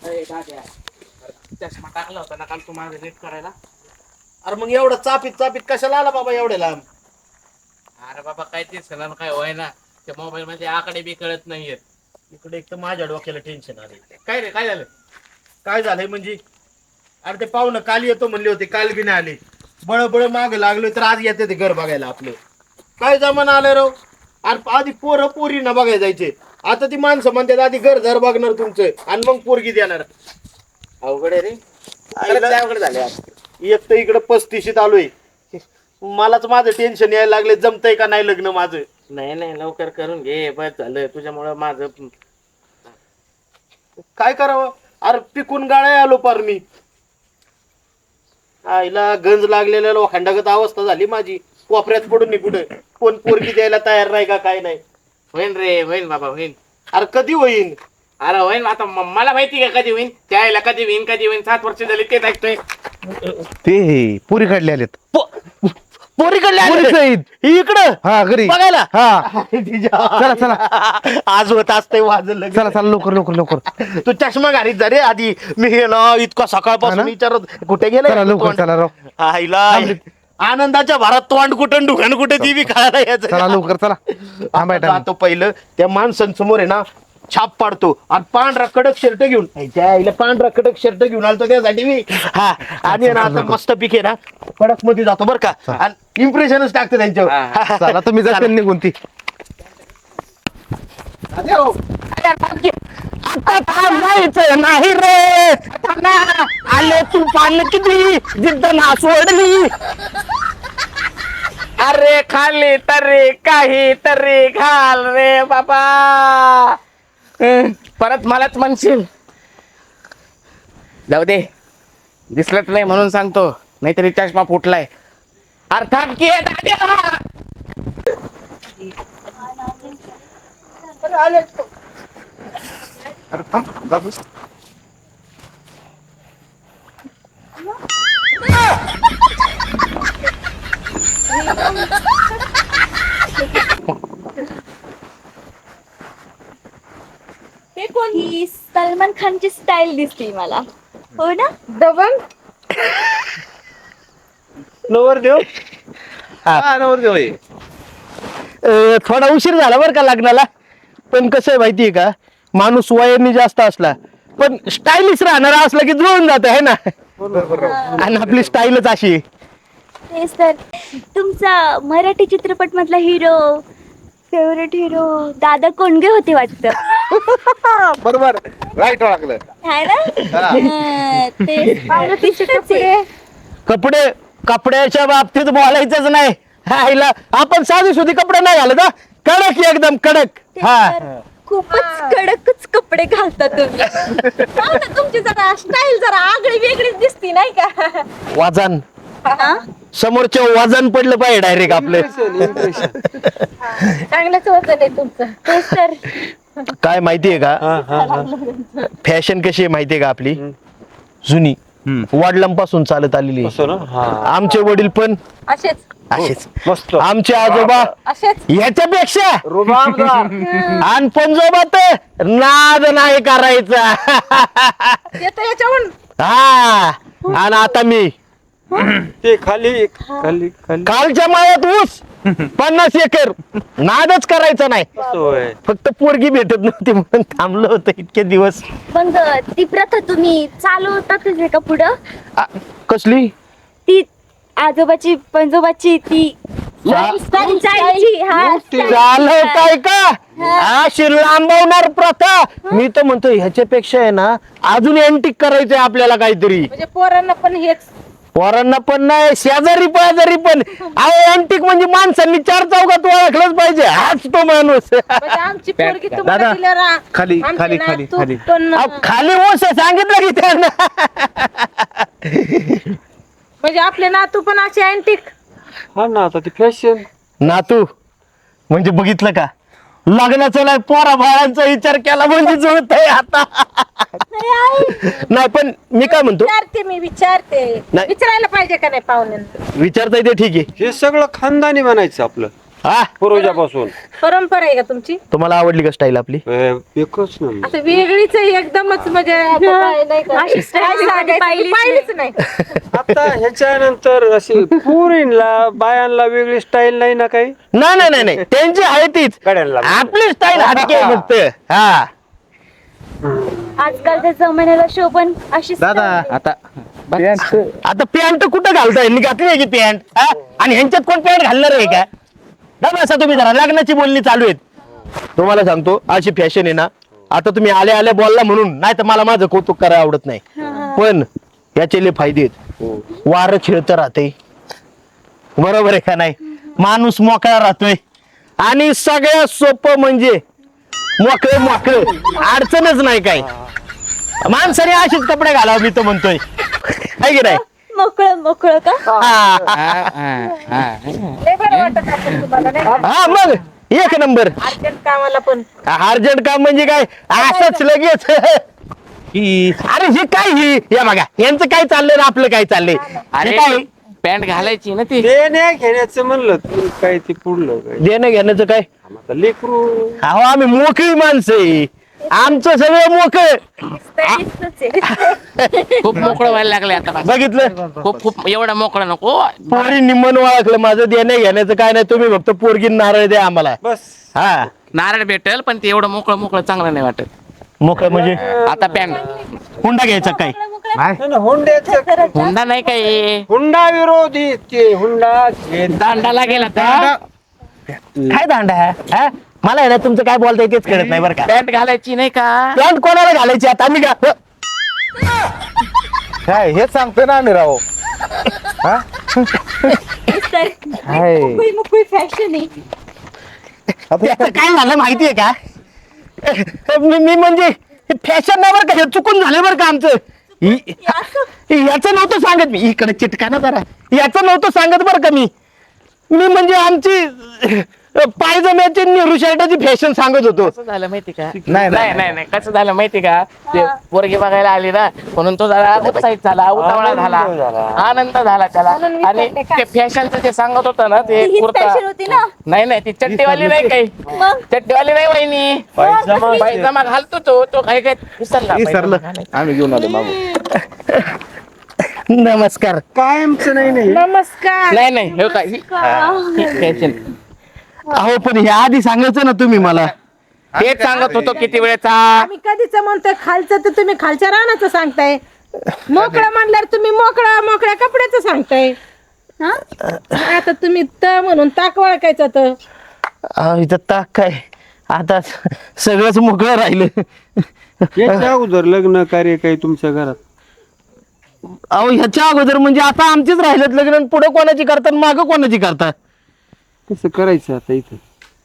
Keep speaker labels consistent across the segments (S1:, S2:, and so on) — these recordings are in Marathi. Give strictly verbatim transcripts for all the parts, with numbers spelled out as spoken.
S1: चष्मा टाकला होता ना काल तू माझं नीट करायला.
S2: अरे मग एवढं चापीत चापीत कशाला आला बाबा एवढे लांब?
S1: अरे बाबा काय ते सण काय होय ना त्या मोबाईल मध्ये आकडे बी कळत नाहीयेत.
S2: इकडे एक तर माझ्या डोक्याला टेन्शन आले.
S1: काय रे काय झालं?
S2: काय झालंय म्हणजे? अरे ते पाहुणं काल येतो म्हणले होते, काल बी नाही आले. बळबळ माग लागलोय तर आज येते ते घर बघायला आपले. काय जमाना आलं राव. अरे आधी पोरं पोरी ना बघायला जायचे, आता ती माणसं म्हणतात आधी घर घर बघणार तुमचं आणि मग पोरगी देणार.
S1: अवघड आहे रे. खरंच लय अवघड झाले आज.
S2: एक तर इकडं पस्तीशीत आलोय, मलाच माझं टेन्शन यायला लागले, जमतंय का नाही लग्न माझं.
S1: नाही नाही लवकर करून घे, बस झालं तुझ्यामुळं माझं.
S2: काय करावं? अरे पिकून गाळ्या आलो पार मी. आईला गंज लागलेल्या लोखंडागत अवस्था झाली माझी. कोपऱ्यात पडून नाही कुठे, कोण पोरगी द्यायला तयार नाही का काय नाही.
S1: होईन रे होईन बाबा होईन.
S2: अरे कधी होईन?
S1: अरे होईन आता म- मला माहिती का कधी होईन, त्याला कधी होईन कधी होईन. सात वर्ष झाली तेच ऐकतोय.
S3: ते पुरी काढले आलेत.
S2: पोरी कडले इकडं
S3: हा घरी
S2: बघायला.
S3: हा चला चला
S2: आज होत असतंय माझं लग्न.
S3: चला चला लवकर लवकर लवकर
S2: तू चष्मा घालीत जा रे आधी. मी गेलो इतका
S3: हा
S2: सकाळपासून
S3: ना?
S2: विचारत कुठे
S3: चला
S2: गेलं
S3: लवकर चला राव
S2: आईला. आनंदाच्या भरात तोंड कुठं दुकान कुठे ती बी
S3: चला
S2: खायला
S3: लवकर चला थांबाय
S2: आता जातो पहिलं त्या माणसांसमोर आहे ना छाप पाडतो आणि पांढरा कडक शर्ट घेऊन ह्याच्या आईला पांढरा कडक शर्ट घेऊन आलतो त्यासाठी मी. हा आणि आहे ना आता मस्त पिके ना कडक मध्ये जातो बरं का, आणि इम्प्रेशनच टाकतो त्यांच्यावर.
S3: चला तुम्ही जाते निघून ती.
S2: नाही रे आले तू पान किती जिद्द ना सोडली.
S1: अरे खाली तरी काही तरी घाल रे बाबा. हं, परत मलाच म्हणशील. जाऊ दे, दिसलंच नाही म्हणून सांगतो, नाहीतरी चष्मा फुटलाय. अर्थात की दाद्या.
S4: हे कोण? ही सलमान खानची स्टाईल दिसते मला, हो ना?
S5: दबंग
S2: नवर देव.
S3: हा नवर देव आहे.
S2: अं, थोडा उशीर झाला बरं का लग्नाला, पण कसं आहे माहितीये का, माणूस वयाने जास्त असला पण स्टाईलिश राहणारा असला की जुळून जात आहे ना. आणि आपली स्टाईलच अशी आहे.
S4: तेच तर. तुमचा मराठी चित्रपट मधला हिरो, फेवरेट हिरो दादा कोंडगे होते वाटतं.
S3: बरोबर राईट ओळखलं.
S4: आहे ना? हं, तेच. पाहुणं दिसतच आहे.
S2: कपडे कपड्याच्या बाबतीत बोलायचंच नाही. हायला आपण साधी सुधी कपडे नाही घालत हा. कडक एकदम कडक.
S4: तेच
S2: हा
S4: तर. खूपच कडकच कपडे घालता तुम्ही. पाहुणं तुमची जरा स्टाईल जरा आगळी वेगळीच दिसती नाही का?
S2: वजन
S4: हा?
S2: समोरच्या वजन पडलं पाहिजे डायरेक्ट आपलं.
S4: चांगलंच वजन आहे तुमचं. तेच तर.
S2: काय माहितीये का, फॅशन कशी आहे माहितीये का आपली, जुनी वडिलांपासून चालत आलेली आहे. आमचे वडील पण
S4: असेच
S2: असेच, आमचे आजोबा
S4: असेच
S2: ह्याच्यापेक्षा आणि पंजोबा तर नाद नाही करायचा.
S4: येतं याच्याहून.
S2: हा आणि आता मी
S6: ते खाली खाली खाली
S2: कालच्या मायात ऊस पन्नास एकर, नादच करायचा नाही.
S6: होय.
S2: फक्त पोरगी भेटत नव्हती म्हणून थांबलो होतो इतके दिवस.
S4: मग ती प्रथा तुम्ही चालवतातच आहे का पुढं?
S2: आ, कसली?
S4: ती आजोबाची पंजोबाची ती पंचायतची, हा,
S2: झालं काय का अशी लांबवणार प्रथा. मी तर म्हणतो ह्याच्यापेक्षा आहे ना अजून अँटिक करायचंय आपल्याला काहीतरी.
S5: म्हणजे पोरांना पण हेच.
S2: पोरांना पण नाही, शेजारी पाजारी पण. अहो अँटिक म्हणजे माणसांनी चार चौकात ओळखलंच पाहिजे, हाच तो माणूस.
S5: म्हणजे आमची पोरगी तुम्हाला
S3: दादा,
S5: दिलं रा-
S3: खाली,
S5: आमची
S3: खाली,
S5: ना
S3: खाली,
S5: तू
S3: खाली.
S5: पण
S2: अहो, खाली ओस आहे, सांगितलं की त्यांना.
S5: म्हणजे आपले नातू पण असे अँटिक.
S6: हा ना आता ती फॅशन.
S2: नातू म्हणजे बघितलं का, लग्नाचा नाही पोरा बाळांचा विचार केला म्हणजे जुळतंय आता. नाही पण मी काय म्हणतो,
S5: विचारते मी विचारते
S2: नाही.
S5: विचारायला पाहिजे का नाही पाहुण्यांना?
S2: विचारता येते ठीक आहे.
S6: हे सगळं खानदानी बनायचं आपलं.
S3: हा
S6: पूर्वजापासून
S5: परंपरा आहे का तुमची
S3: तुम्हाला आवडली का स्टाईल आपली
S6: अं, एकच ना
S5: असं वेगळीच आहे एकदमच म्हणजे आता काय नाही का?
S4: अशी style
S5: काय सांगायचं?
S4: पाहिलीच
S5: पाहिलीच नाही
S6: आता ह्याच्यानंतर अशी पुरीला बायांना वेगळी स्टाईल नाही ना काही
S3: नाही नाही नाही नाही त्यांची आहे तीच
S6: गड्यांना
S3: आपली स्टाईल हटके आहे फक्त हा
S4: आजकालच्या जमान्याला शोभन अशी
S3: दादा
S1: आता
S3: आता पॅन्ट कुठं घालताय यांनी घातली आहे की पॅन्ट हा आणि ह्यांच्यात कोण पॅन्ट घालणार आहे का दादा असं तुम्ही जरा लग्नाची बोलणी चालू आहेत तुम्हाला सांगतो अशी फॅशन आहे ना आता तुम्ही आले आले बोलला म्हणून नाही तर मला माझं कौतुक करायला आवडत नाही पण याचे लय फायदे आहेत वारं खेळतं राहते बरोबर आहे का नाही माणूस मोकळा राहतोय आणि सगळ्यात सोपं म्हणजे मोकळे मोकळे अडचणच नाही काय माणसाने असेच कपडे घालावं मी तर म्हणतोय आहे की नाही
S4: मोकळं मोकळं का
S3: हा
S5: लय बरं वाटत असेल तुम्हाला नाही का?
S3: हा, मग एक नंबर
S5: अर्जंट कामाला पण
S3: अर्जंट काम म्हणजे काय असंच लगेच ही- अरे हे काय ही या बघा यांचं काय चाललंय ना आपलं काय चाललंय
S1: अरे
S3: हे काय
S1: पॅन्ट घालायची ना ती
S6: देण्या घेण्याचं म्हणलं तू काय ते पुढलं काय
S3: देणं घेण्याचं काय
S6: आता लेकरू
S3: अहो आम्ही मोकळी माणसं आहे आमचं सगळं मोकळ
S4: दिसतंच आहे.
S1: खूप मोकळं व्हायला लागले आता बस.
S3: बघितलं
S1: खूप खूप एवढं मोकळं नको
S3: पोरी निम्मन ओळखलं माझं देणं घेण्याचं काय नाही तुम्ही फक्त पोरगी नारळ द्या आम्हाला
S6: बस
S3: हा
S1: नारळ भेटेल पण ते एवढं मोकळं मोकळं चांगलं नाही वाटत
S3: मोकळ म्हणजे
S1: आता पॅन्ट
S3: हुंडा घ्यायचा काय
S6: नाही ना, हुंड्याचं
S1: हुंडा नाही काय
S6: हुंडा विरोधी ते हुंडा घेत
S1: दांडाला गेला तर
S3: काय दांडा हा मला आहे ना तुमचं काय बोलताय तेच कळत नाही बरं का
S1: पॅन्ट घालायची नाही का
S3: पॅन्ट कोणाला घालायची आता आम्ही का
S2: काय हेच सांगतोय ना आम्ही राव
S4: तर मोकळी मोकळी फॅशन आहे
S3: त्याचं काय झालं माहितीये का मी मी म्हणजे फॅशन नाही बरं का हे चुकून झालं बरं का आमचं हि- याचं नव्हतं सांगत मी इकडे चिटका ना जरा याचं नव्हतं सांगत बरं का मी मी म्हणजे आमची पायजम्याची नेहरू शर्टाची फॅशन सांगत होतो
S1: कसं झालं माहिती का
S3: नाही,
S1: नाही नाही नाही कसं झालं माहिती का ते पोरगी बघायला आली ना म्हणून तो जरा उत्साहित झाला उतावळा झाला आनंद झाला त्याला आणि ते फॅशनचं ते सांगत होतं ना ते
S4: हीच
S1: कुर्ता
S4: फॅशन होती ना
S1: नाही नाही ती चट्टीवाली नाही काही
S4: मग
S1: चट्टीवाली नाही वहिनी
S6: पायजमा
S1: पायजमा घालतो तो तो काही काय विसरला
S3: विसरलं.
S1: पायजमा घालायचा.
S2: आम्ही घेऊन आलो मागू
S3: नमस्कार
S6: कायमचं नाही नाही
S5: नमस्कार
S1: नाही नाही हे काय फॅशन
S3: अहो पण हे आधी सांगायचं ना तुम्ही मला
S1: तेच सांगत होतो किती वेळेचा
S5: आम्ही कधीच म्हणतोय खालचं तर तुम्ही खालच्या रानाचं सांगताय मोकळं म्हणल्यावर तुम्ही मोकळा मोकळ्या कपड्याचं सांगताय
S4: हा
S5: आता तुम्ही त म्हणून ताक वळखायचं तर
S3: अहो, इथं ताक काय आता सगळंच मोकळं राहिलं
S6: याच्या अगोदर लग्न कार्य काही तुमच्या घरात
S3: अहो ह्याच्या अगोदर म्हणजे आता आमचीच राहिलेत लग्न पुढे कोणाची करतात मागं कोणाची करता
S6: कसं करायचं आता इथं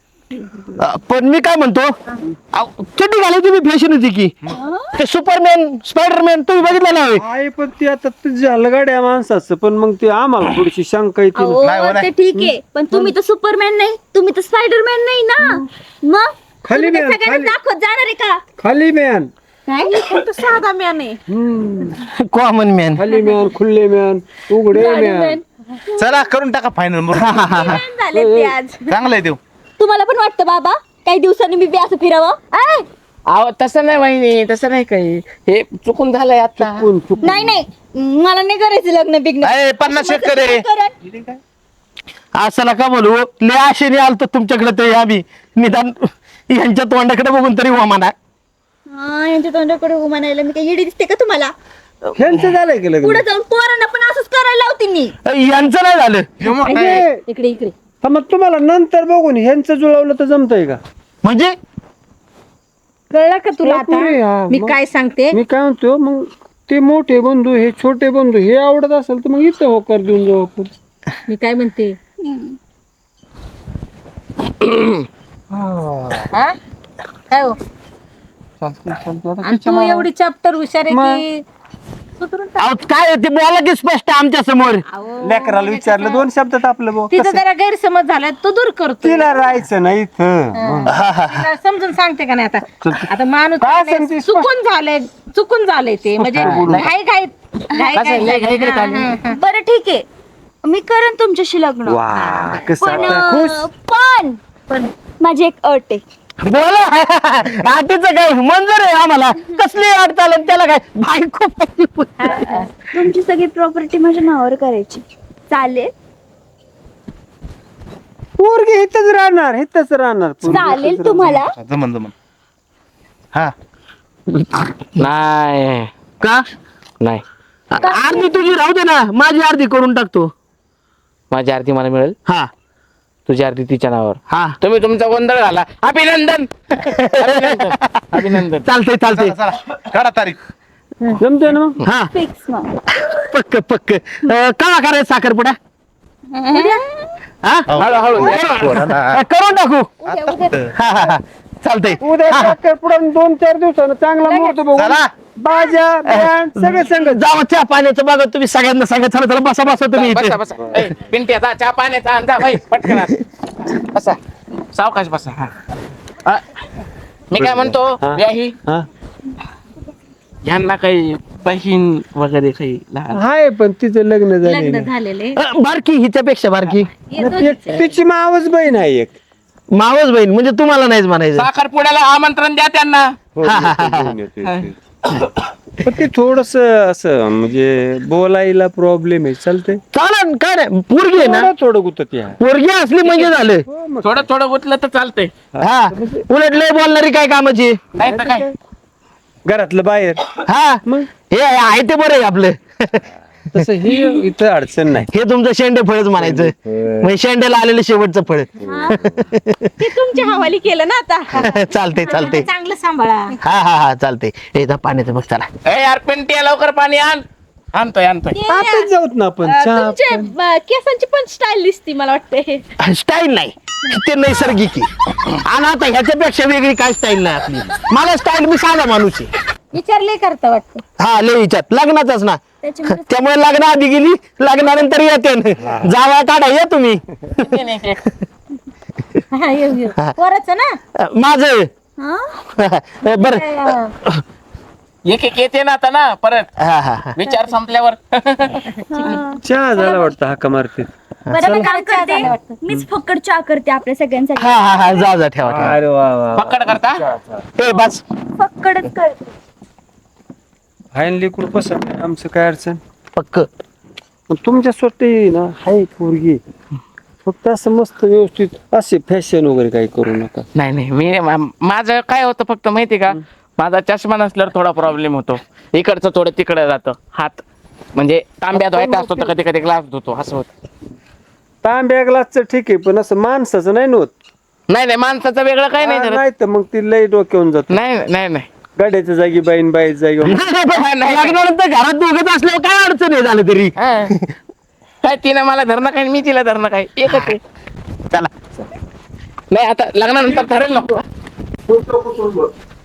S3: पण मी काय म्हणतो अहो, चड्डी घालायची मी फॅशन होती की ते सुपरमॅन स्पायडरमॅन तुम्ही बघितलं ना होय?
S6: आहे पण ते आता तुझ्या हलगाड्या माणसाचं पण मग ते आम्हाला थोडीशी शंका येते
S4: अहो,
S6: ना.
S4: ते ठीक आहे पण तुम्ही तर सुपरमॅन नाही तुम्ही तर स्पायडरमॅन नाही ना मग
S6: खाली
S4: तुम्ही तर
S6: मॅन,
S4: सगळ्यांना
S6: खाली.
S4: दाखवत जाणार आहे का
S6: खाली मॅन
S4: काय
S5: फक्त साधा म्यान आहे
S6: हम्म.
S3: कॉमन मॅन
S6: खाली मॅन खुल्ले मॅन उघडे मॅन
S2: चला करून टाका फायनल
S4: झाले ते आज
S2: चांगलं आहे देऊ
S4: तुम्हाला पण वाटतं बाबा काही दिवसांनी मी बी असं फिरावं आय?
S1: अहो तसं नाही वहिनी तसं नाही काही हे चुकून झालंय आता
S6: चुकून चुकून
S4: नाही नाही मला नाही करायचं लग्न बिग्न
S2: अय, पन्नास शेतकरी आहे.
S3: असं नका बोलू लय आशेने आलतो तुमच्याकडे तरी आम्ही निदान यांच्या तोंडाकडे बघून तरी हो म्हणा
S4: हा यांच्या तोंडाकडे उभा नाही मी काही येडी दिसते का तुम्हाला
S6: ह्यांचं झालंय की लग्न
S4: पुढे जाऊन पोरांना पण असंच करायला लावते मी
S3: यांचं नाही झालं
S2: हे मोठं आहे.
S6: म्हणजे,
S4: इकडे इकडे
S6: हा, मग तुम्हाला नंतर बघून ह्यांचं जुळवलं तर जमतंय का
S3: म्हणजे
S5: कळलं का तुला
S6: पुरी, हा,
S5: आता मी
S6: मग.
S5: काय सांगते
S6: मी काय म्हणतो मग ते मोठे बंधू हे छोटे बंधू हे आवडत असेल तर मग इथं होकार देऊन जाऊ आपण
S5: मी काय म्हणते हा? काय हो? आणि तू एवढी चॅप्टर हुशार आहे की सुधरून टाक.
S3: अहो, काय ते बोला की स्पष्ट आमच्या समोर
S5: अहो,
S6: लेकराला विचारलं दोन शब्दात आपलं भाऊ
S5: तिचा जरा गैरसमज झालाय तो दूर करतो
S6: तिला राहायचं नाही इथं
S5: तिला समजून सांगते का नाही आता आता माणूस
S6: काय
S5: काय
S6: सांगते?
S5: चुकून झालंय चुकून झालंय ते म्हणजे घाई घाई घाई
S1: कसं आहे, लय घाई
S5: घाई
S1: घाईत आली.
S5: हा, हा.
S4: बरं ठीक आहे मी करेन तुमच्याशी लग्न
S6: वा कसं
S4: पण
S6: आता खुश
S4: पण पण पण माझी एक अट आहे.
S3: बोला आटीचं काय मंजूर आहे आम्हाला. कसली अट चालेल त्याला काय बायको
S4: तुमची सगळी प्रॉपर्टी माझ्या नावावर करायची चालेल?
S6: पोरगी इथंच राहणार इथंच राहणार पोरगी
S4: चालेल
S6: इथंच
S4: तुम्हाला?
S2: जमन जमन. हा
S1: नाही
S3: का
S1: नाही
S3: अर्धी तुझी राहू दे ना, माझी अर्धी करून टाकतो.
S1: माझी आरती मला मिळेल,
S3: हा
S1: तुझी आरती तिच्या नावावर.
S3: हा
S1: तुम्ही तुमचा गोंधळ घाला. अभिनंदन अभिनंदन अभिनंदन.
S3: चालतंय चालतंय.
S2: चला चला काढा तारीख.
S6: जमते ना मग.
S3: हा
S4: फिक्स मग.
S3: पक्क पक्क. अं, केव्हा करायचं साखरपुडा? हा
S1: हळूहळू
S3: अं, करून टाकू. हा हा हा चालतंय.
S6: उद्या साखरपुडा दोन चार दिवसानं चांगला मुहूर्त बघू.
S2: चला.
S6: बाजा बँड सगळं संग
S3: जावा चहा पाण्याचं बघा तुम्ही सगळ्यांना सांगा. चला चला बसा बसा तुम्ही इथे.
S1: बसा बसा. ए, पिंटी आता चहा पाण्याचा आणजा भाई पटकन आण. बसा सावकाश बसा. हा अ, मी काय म्हणतो व्याही
S6: हा.
S1: यांना काही बहीण वगैरे काही लहान
S6: हाय पण तिचं लग्न झालेलं
S5: झालेले
S3: अं, बारकी हिच्यापेक्षा बारकी
S6: तिची मावस बहीण आहे एक.
S3: मावस बहीण म्हणजे तुम्हाला नाहीच म्हणायचं.
S1: साखरपुड्याला आमंत्रण द्या त्यांना.
S3: हा, हा, हा, हा.
S6: पण ते थोडस असं म्हणजे बोलायला प्रॉब्लेम आहे. चालतंय
S3: चालेल काय नाही. पोरगी आहे ना,
S6: थोडं थोडं गुतत या.
S3: पोरगी असली म्हणजे झालं.
S1: थोडं थोडं गुतलं तर चालतंय.
S3: हा उलट लय बोलणारी काय कामाची.
S1: नाही तर काय.
S6: घरातलं बाहेर
S3: हा
S6: मग
S3: हे आहे ते बरं आहे आपलं.
S6: तसं ही इथं अडचण नाही.
S3: हे तुमचं शेंडे फळच म्हणायचं. म्हणजे शेंड्याला आलेलं शेवटचं फळ.
S5: ते तुमच्या हवाली केलं ना आता.
S3: चालते चालते.
S5: चांगलं सांभाळा.
S3: हा हा हा चालते. हे इथं पाण्याचं बघ चला.
S1: ए यार पिंटी लवकर पाणी आण. आणतोय आणतोय.
S6: आताच जाऊत ना आपण
S5: अं,
S6: चहा
S5: तुमचे अं, केसांची पण स्टाईल दिसती मला वाटते.
S3: स्टाईल नाही ते नैसर्गिक आहे. आणि आता ह्याच्यापेक्षा वेगळी काय स्टाईल नाही आपली. मला स्टाईल मी साधा माणूस आहे.
S5: विचारले करता वाटतं.
S3: हा लय विचार लग्नाचाच ना.
S4: त्याच्यामुळे
S3: त्यामुळे लग्न आधी गेली लग्नानंतर येते. जावा काढा या तुम्ही.
S5: हा, येऊ येऊ. पोराचं ना
S3: माझं
S4: हा?
S3: बर
S1: एक एक येते ना आता ना परत
S3: हा हा हा
S1: विचार संपल्यावर.
S6: चहा झाला वाटतं हाका मारते.
S4: बरं मी काम करते. मीच फक्कड चहा करते आपल्या सगळ्यांसाठी.
S3: हा हा हा जा जा ठेवा ठेवा.
S6: अरे वा वा
S1: पकड करता.
S3: ए बस
S4: फक्कडच करते.
S6: फायनली कुठं पसंत आहे आमचं काय अडचण.
S3: पक्क.
S6: पण तुमच्या स्वतः ना हाय पोरगी. फक्त असं मस्त व्यवस्थित असे फॅशन वगैरे काही करू नका.
S1: नाही नाही मी मा- माझं काय होतं फक्त माहिती का, माझा चष्मा नसल्यावर थोडा प्रॉब्लेम होतो. इकडचं थोडं तिकडे जातं हात. म्हणजे तांब्यात व्हायचा असतो तर कधी कधी ग्लास धुतो असं होतं.
S6: तांब्या ग्लासचं ठीक आहे पण असं माणसाचं नाही नव्हत.
S1: नाही नाही माणसाचं वेगळं काही नाही करत.
S6: नाही तर मग ती लई डोक्यावून जात.
S1: नाही नाही नाही
S6: गाड्याच्या जागी बाईन बाईच्या जागी
S3: लग्नानंतर घरात दोघंच असल्यावर काय अडचण आहे झालं तरी.
S1: हा. काय तिनं मला धरणं काय मी तिला धरणं काय एकच आहे. चला नाही आता लग्नानंतर ठरेल नको.